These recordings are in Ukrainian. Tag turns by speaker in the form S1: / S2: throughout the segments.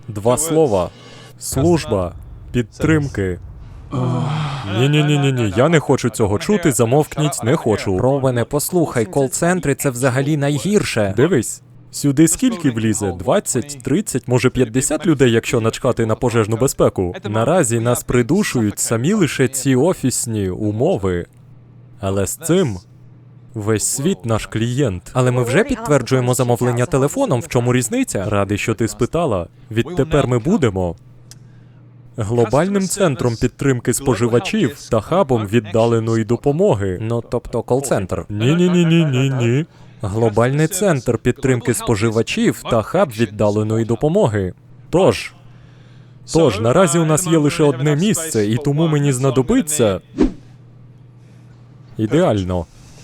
S1: Два слова. Служба. Підтримки. Ні, я не хочу цього чути, замовкніть, не хочу.
S2: Ровене, послухай, кол-центри — це взагалі найгірше.
S1: Дивись, сюди скільки влізе? 20, 30, може 50 людей, якщо начкати на пожежну безпеку. Наразі нас придушують самі лише ці офісні умови. Але з цим весь світ наш клієнт.
S2: Але ми вже підтверджуємо замовлення телефоном, в чому різниця?
S1: Радий, що ти спитала. Відтепер ми будемо глобальним центром підтримки споживачів та хабом віддаленої допомоги.
S2: Ну, тобто кол-центр.
S1: Ні. Глобальний центр підтримки споживачів та хаб віддаленої допомоги. Тож, наразі у нас є лише одне місце, і тому мені знадобиться... Ідеально.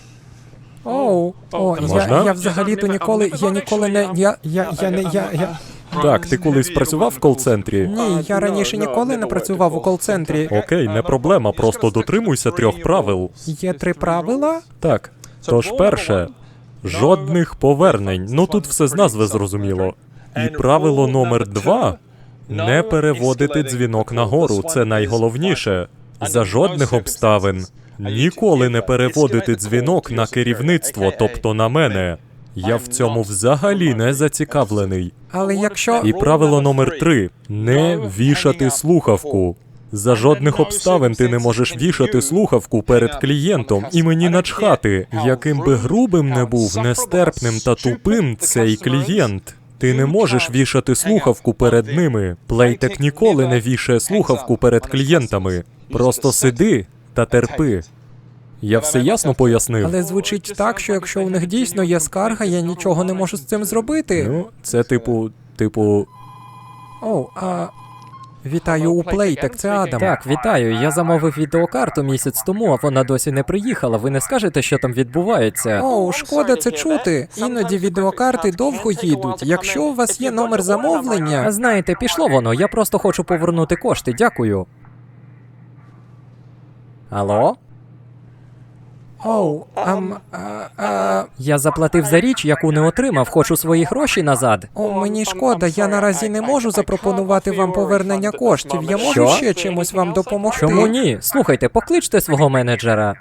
S1: Можна?
S2: Я взагалі-то ніколи не...
S1: Так, ти колись працював в кол-центрі?
S2: Ні, я раніше ніколи не працював у кол-центрі.
S1: Окей, не проблема, просто дотримуйся 3 правил.
S2: Є 3 правила?
S1: Так. Тож перше, жодних повернень. Ну тут все з назви зрозуміло. І правило номер 2 – не переводити дзвінок нагору, це найголовніше. За жодних обставин. Ніколи не переводити дзвінок на керівництво, тобто на мене. Я в цьому взагалі не зацікавлений.
S2: Але якщо...
S1: І правило номер 3 – не вішати слухавку. За жодних обставин ти не можеш вішати слухавку перед клієнтом, і мені начхати, яким би грубим не був, нестерпним та тупим цей клієнт. Ти не можеш вішати слухавку перед ними. Плейтек ніколи не вішає слухавку перед клієнтами. Просто сиди та терпи. Я все ясно пояснив?
S2: Але звучить так, що якщо у них дійсно є скарга, я нічого не можу з цим зробити.
S1: Ну, це типу...
S2: Вітаю у Плейтек, це Адам.
S3: Так, вітаю. Я замовив відеокарту місяць тому, а вона досі не приїхала. Ви не скажете, що там відбувається?
S2: Шкода це чути. Іноді відеокарти довго їдуть. Якщо у вас є номер замовлення...
S3: Знаєте, пішло воно. Я просто хочу повернути кошти. Дякую. Алло?
S2: Я заплатив за річ, яку не отримав. Хочу свої гроші назад. Мені шкода, я наразі не можу запропонувати вам повернення коштів. Я можу ще чимось вам допомогти?
S3: Чому ні? Слухайте, покличте свого менеджера.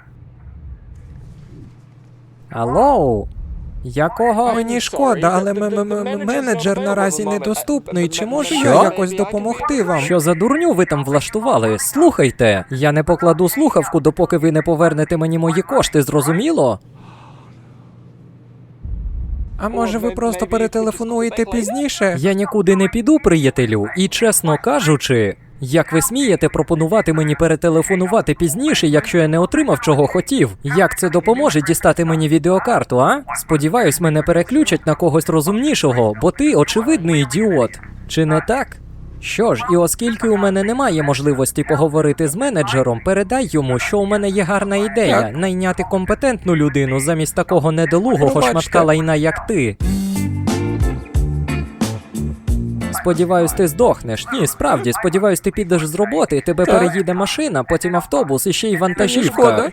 S3: Алло? Якого?
S2: Мені шкода, але менеджер наразі недоступний. Чи можу я якось допомогти вам?
S3: Що за дурню ви там влаштували? Слухайте, я не покладу слухавку, допоки ви не повернете мені мої кошти, зрозуміло?
S2: А може ви просто перетелефонуєте пізніше?
S3: Я нікуди не піду, приятелю, і чесно кажучи, як ви смієте пропонувати мені перетелефонувати пізніше, якщо я не отримав, чого хотів? Як це допоможе дістати мені відеокарту, а? Сподіваюсь, мене переключать на когось розумнішого, бо ти очевидний ідіот. Чи не так? Що ж, і оскільки у мене немає можливості поговорити з менеджером, передай йому, що у мене є гарна ідея – найняти компетентну людину замість такого недолугого шматка лайна, як ти. Сподіваюсь, ти здохнеш. Ні, справді, сподіваюсь, ти підеш з роботи, тебе переїде машина, потім автобус і ще й вантажівка.